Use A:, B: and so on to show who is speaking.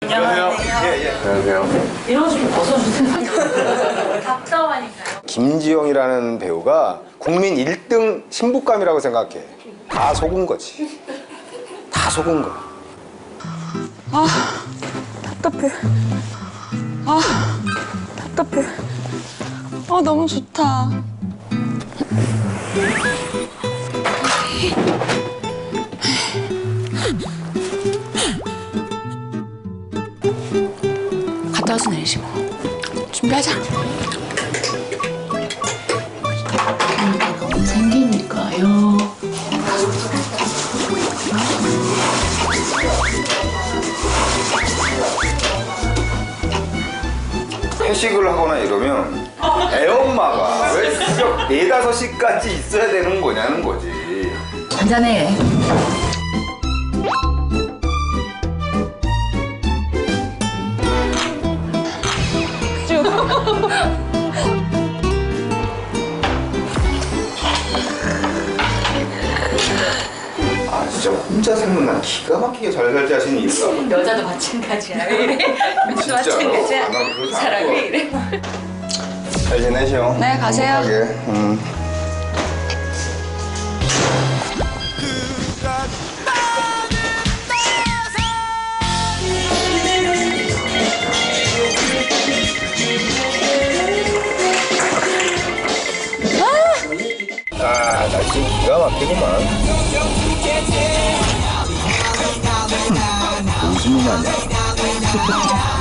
A: 안녕하세요. 예.
B: 안녕하세요.
C: 이런 좀 벗어주세요. 답답하니까요.
B: 김지영이라는 배우가 국민 1등 신부감이라고 생각해. 다 속은 거지. 다 속은 거야.
D: 아, 답답해. 아, 답답해. 아, 너무 좋다. 갔다 와서 내리시 뭐. 준비하자.
C: 생기니까요.
B: 회식을 하거나 이러면 애엄마가 왜 새벽 4, 5시까지 있어야 되는 거냐는 거지.
C: 한잔해.
B: 아 진짜 혼자 살면 난 기가 막히게 잘 살지 하시는 이유가
C: 여자도 마찬가지야. 왜 이래?
B: 진짜로?
C: 마찬가지야.
B: 아, 난 그렇지
C: 이 사람이
B: 않고.
C: 왜 이래?
B: 잘 지내시오.
D: 네, 가세요.
B: 행복하게. 아, 날씨 기가 막히구만. 무슨 일 아니야?